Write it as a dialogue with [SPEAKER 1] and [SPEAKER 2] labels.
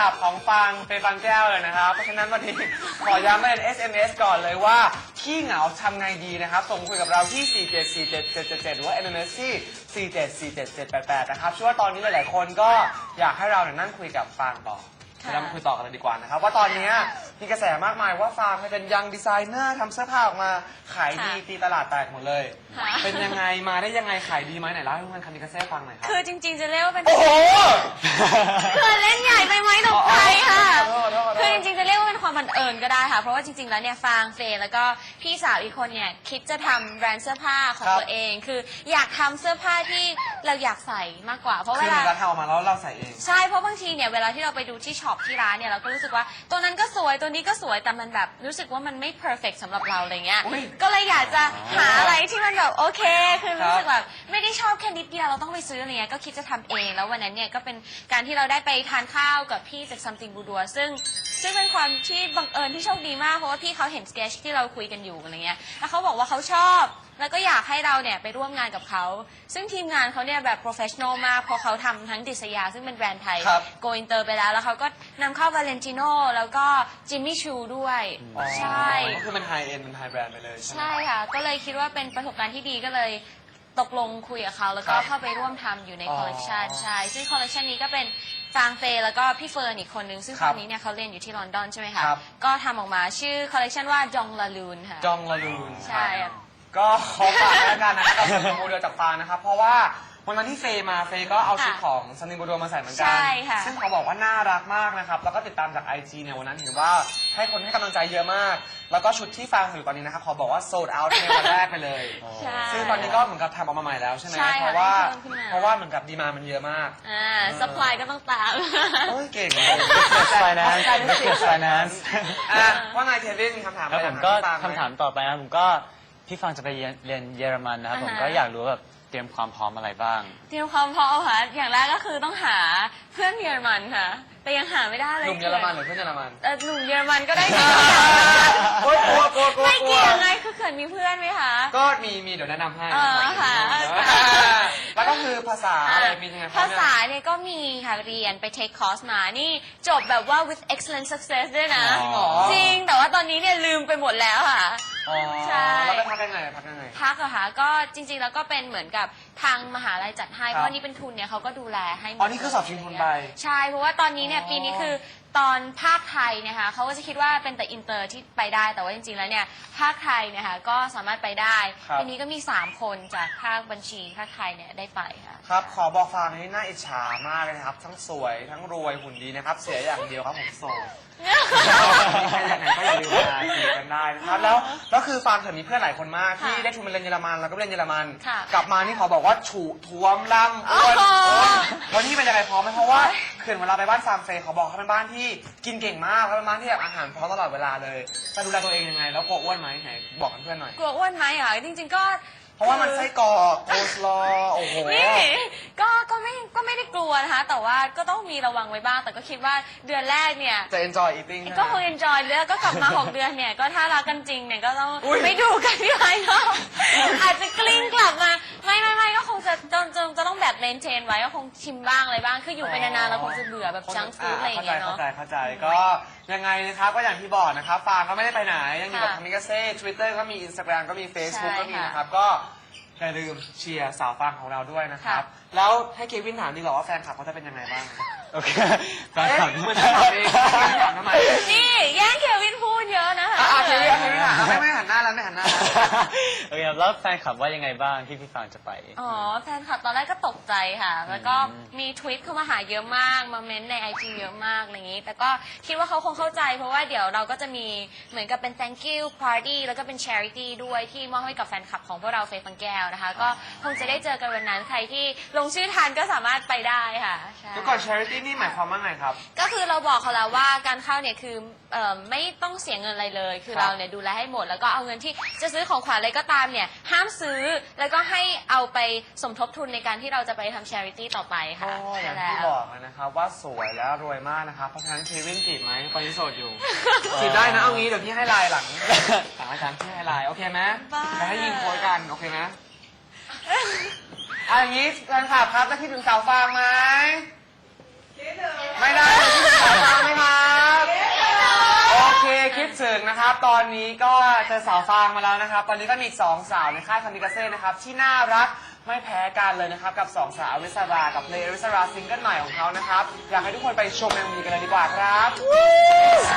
[SPEAKER 1] ลับของฟังเป็นฟังแก้วเลยนะครับเพราะฉะนั้นวันนี้ขอย้ำเป็น SMS ก่อนเลยว่าขี้เหงาทำไงดีนะครับส่งคุยกับเราที่ 4747777 หรือว่า MMS ที่4747788 นะครับเชื่อว่าตอนนี้หลายๆคนก็อยากให้เรานั่งคุยกับฟางต่อเรามาคุยต่อกันเลยดีกว่านะครับว่าตอนนี้มีกระแสมากมายว่าฟางเป็นยังดีไซเนอร์ทำเสื้อผ้าออกมาขายดีตีตลาดแตกหมดเลยเป็นยังไงมาได้ยังไงขายดีไหมไหนเล่าให้คุณคามิกาเซ่ฟังหน่อยครับ
[SPEAKER 2] คือจริงๆจะเรียกว่าเป็น
[SPEAKER 1] โอ้โห
[SPEAKER 2] คือเล่นใหญ่ไปไหมตกใจค่ะ
[SPEAKER 1] ขอโทษ
[SPEAKER 2] คือจริงๆจะเรียกว่าเป็นความบังเอิญก็ได้ค่ะเพราะว่าจริงๆแล้วเนี่ยฟางเฟย์แล้วก็พี่สาวอีกคนเนี่ยคิดจะทำแบรนด์เสื้อผ้าของตัวเองคืออยากทำเสื้อผ้าที่เราอยากใส่มากกว่าเพราะ
[SPEAKER 1] คือ
[SPEAKER 2] เวลา
[SPEAKER 1] เราทำออกมาแล้วเราใส่เอง
[SPEAKER 2] ใช่เพราะบางทีเนี่ยเวลาที่เราไปดูที่ช็อปที่ร้านเนี่ยเราก็รู้สึกว่าตัวนั้นก็สวยตัวนี้ก็สวยแต่มันแบบรู้สึกว่ามันไม่เพอร์เฟกสำหรับเราอะไรเงี้ยก็เลยอยากจะหาอะไรที่มันแบบโอเคคือรู้สึกแบบไม่ได้ชอบแค่นิดเดียวเราต้องไปซื้ออะไรเงี้ยก็คิดจะทำเองแล้ววันนั้นเนี่ยก็เป็นการที่เราได้ไปทานข้าวกับพี่จาก Something Boudoir ซึ่งเป็นความที่บังเอิญที่โชคดีมากเพราะว่าพี่เขาเห็นสเกจที่เราคุยกันอยู่อะไรเงี้ยแล้วเขาบอกว่าเขาชอบแล้วก็อยากให้เราเนี่ยไปร่วมงานกับเขาซึ่งทีมงานเขาเนี่ยแบบโปรเฟชชั่นอลมากเพราะเขาทำทั้งดิสยาซึ่งเป็นแบรนด์ไทยโกอินเตอร์ไปแล้วเขาก็นำเข้าวาเลนติโนแล้วก็จิมมี่ชูด้วยใช่
[SPEAKER 1] ก็คือมันไฮเอ็นมันไฮแบรนด์ไปเลยใช่ไหม
[SPEAKER 2] ใช่ค่ะก็เลยคิดว่าเป็นประสบการณ์ที่ดีก็เลยตกลงคุยกับเขาแล้วก็เข้าไปร่วมทำอยู่ในคอลเลกชันใช่ซึ่งคอลเลกชันนี้ก็เป็นฟางเฟย์แล้วก็พี่เฟิร์นอีกคนนึงซึ่งตอนนี้เนี่ยเขาเรียนอยู่ที่ลอนดอนใช่ไหมคะก็ทำออกมาชื่อคอลเลกชันว่าจองลาลูนค่ะ
[SPEAKER 1] จองลาลูน
[SPEAKER 2] ใช่
[SPEAKER 1] ก็ขอฝากแล้วกันนะครับกับซันนิบูโดจากฟางนะครับเพราะว่าวันนั้นที่เฟย์มาเฟย์ก็เอาชุดของซันนิบูโดมาใส่เหมือนกันซึ่งเขาบอกว่าน่ารักมากนะครับแล้วก็ติดตามจาก IG เนี่ยวันนั้นเห็นว่าให้คนให้กำลังใจเยอะมากแล้วก็ชุดที่ฟางอยู่ตอนนี้นะครับขอบอกว่าโซลด์เอาท์ในวันแรกไปเลยซึ่งตอนนี้ก็เหมือนกับทำออกมาใหม่แล้วใช่ไหมเพราะว่าเหมือนกับดีมามันเยอะมาก
[SPEAKER 2] ซัพพลายก็ต้องตาม
[SPEAKER 1] โอ้ยเก่ง
[SPEAKER 3] ไฟแนนซ์ไฟแนนซ์
[SPEAKER 1] ว่าไงเควินมีคำถามอะไร
[SPEAKER 3] ผมก็คำถามต่อไปนะผมก็พี่ฟังจะไปเรียนเยอรมันนะครับผมก็อยากรู้แบบเตรียมความพร้อมอะไรบ้าง
[SPEAKER 2] เตรียมความพร้อมค่ะอย่างแรกก็คือต้องหาเพื่อนเยอรมันค่ะแต่ยังหาไม่ได้เลย
[SPEAKER 1] หนุ่มเยอรมันหรือเพื่อนเยอรมัน
[SPEAKER 2] หนุ่มเยอรมันก็ได้
[SPEAKER 1] กลัว
[SPEAKER 2] ไม่เกี่ยวไงคือเขินมีเพื่อนไหมคะ
[SPEAKER 1] ก็มีเดี๋ยวแนะนำให้
[SPEAKER 2] ค่ะ
[SPEAKER 1] แล้วก็คือภาษาอะไรมียังไง
[SPEAKER 2] ภาษาเนี่ยก็มีค่ะเรียนไป take course มานี่จบแบบว่า with excellent success ด้วยนะจริงแต่ว่าตอนนี้เนี่ยลืมไปหมดแล้วค่ะ
[SPEAKER 1] ใช่แล้วไปพักยังไง
[SPEAKER 2] พักเหรอคะก็จริงๆแล้วก็เป็นเหมือนกับทางมหาลัยจัดให้เพราะนี่เป็นทุนเนี่ยเขาก็ดูแลให้
[SPEAKER 1] นี่คือสอบชิงทุนไป
[SPEAKER 2] ใช่เพราะว่าตอนนี้เนี่ยปีนี้คือตอนภาคไทยนะคะเขาก็จะคิดว่าเป็นแต่อินเตอร์ที่ไปได้แต่ว่าจริงๆแล้วเนี่ยภาคไทยเนี่ยค่ะก็สามารถไปได้ปีนี้ก็มี3คนจากภาคบัญชีภาคไทยเนี่ยได้ไปค่ะ
[SPEAKER 1] ครับขอบอกฟางนี่น่าอิจฉามากเลยนะครับทั้งสวยทั้งรวยหุ่นดีนะครับเสียอย่างเดียวครับผมโสดใครอยากไหนก็อย่าลืมมาจีบกันได้นะครับแล้วคือฟางเธอมีเพื่อนหลายคนมากที่ได้ทุนมาเรียนเยอรมันแล้วก็เรียนเยอรมันกลับมานี่ขอบอกว่าฉุท้วมล่ำอ้วนวันนี้เป็นยังไงพร้อมไหมเพราะว่าเขื่อนเวลาไปบ้านฟางเฟย์เขาบอกเขาเป็นบ้านที่กินเก่งมากแล้วเป็นบ้านที่แบบอาหารพร้อมตลอดเวลาเลยจะดูแลตัวเองยังไงแล้วกลัวอ้วนไหมไหนบอกเพื่อนหน่อย
[SPEAKER 2] กลัวอ้วนไหมอ่ะจริงๆก็
[SPEAKER 1] เพราะว่ามันไส้กรอกโคสลอโอ้โห
[SPEAKER 2] นี่ก็ไม่ได้กลัวนะคะแต่ว่าก็ต้องมีระวังไว้บ้างแต่ก็คิดว่าเดือนแรกเนี่ย
[SPEAKER 1] จะ enjoy eating
[SPEAKER 2] ก็คง enjoy แล้วก็กลับมา6 เดือนเนี่ยก็ถ้ารักกันจริงเนี่ยก็ต้องไม่ดูกันที่ไรเนาะอาจจะกลิ้งกลับมาไม่ก็คงจะต้องแบบเมนเทนไว้ก็คงชิมบ้างอะไรบ้างคืออยู่ไปนานๆเราคงจะเบื่อแบบจังฟู้ดอะไรอย่างเงี้ยเนาะ
[SPEAKER 1] เข้าใจก็ยังไงนะครับก็อย่างที่บอกนะครับฟางก็ไม่ได้ไปไหนยังอยู่กับคามิกาเซ่ Twitter ก็มี Instagram ก็มี Facebook ก็มีนะครับก็อย่าลืมเชียร์สาวฟางของเราด้วยนะครับแล้วให้เควินถามดีกว่าว่าแฟนคลับเขาจะเป็นยังไงบ้าง
[SPEAKER 3] โอเคแฟนคลับ
[SPEAKER 1] เหมือนจะถามเองถามทำไม
[SPEAKER 2] นี่แย่งเควินพูดเยอะนะคะ
[SPEAKER 1] เควินถามไม่หันหน้าแล้วไม่หันหน้า
[SPEAKER 3] โอเคแล้วแฟนคลับว่ายังไงบ้างที่พี่ฟางจะไป
[SPEAKER 2] แฟนคลับตอนแรกก็ตกใจค่ะแล้วก็มีทวิตเข้ามาหาเยอะมากมาเม้นใน IG เยอะมากอะไรอย่างนี้แต่ก็คิดว่าเขาคงเข้าใจเพราะว่าเดี๋ยวเราก็จะมีเหมือนกับเป็น thank you party แล้วก็เป็น charity ด้วยที่มอบให้กับแฟนคลับของพวกเราเฟย์ฟังแก้วนะคะก็คงจะได้เจอกันวันนั้นใครที่ลงชื่อทันก็สามารถไปได้ค่ะ
[SPEAKER 1] ทุกคน charity นี่หมายความว่าไงครับ
[SPEAKER 2] ก็คือเราบอกเขาแล้วว่าการเข้าเนี่ยคือไม่ต้องเสียเงินอะไรเลยคือเราเนี่ยดูแลให้หมดแล้วก็เอาเงินที่จะซื้อของขวัญอะไรก็ตามเนี่ยห้ามซื้อแล้วก็ให้เอาไปสมทบทุนในการที่เราจะไปทำ charity ต่อไปค่ะ
[SPEAKER 1] อย่างที่บอกนะครับว่าสวยและรวยมากนะครับเพราะฉะนั้นเควินจีบไหมตอนนี้โสดอยู่จีบได้นะเอางี้เดี๋ยวพี่ให้ไลน์หลังอาจารย์พี่ให้ไลน์โอเคไหมจะให้ยิงโค้ดกันโอเคไหมอย่างนี้แฟนคลับครับจะคิดถึงสาวฟางไหมไม่ได้คิดถึงสาวฟางคิดถึงนะครับ ตอนนี้ก็เจอสาวฟางมาแล้วนะครับ ตอนนี้ก็มีอีก2สาวในค่ายคามิกาเซ่นะครับที่น่ารักไม่แพ้กันเลยนะครับกับ2สาวอริสรากับเพลงอริสราซิงเกิลใหม่ของเขานะครับอยากให้ทุกคนไปชมในมีกันเลยดีกว่าครับ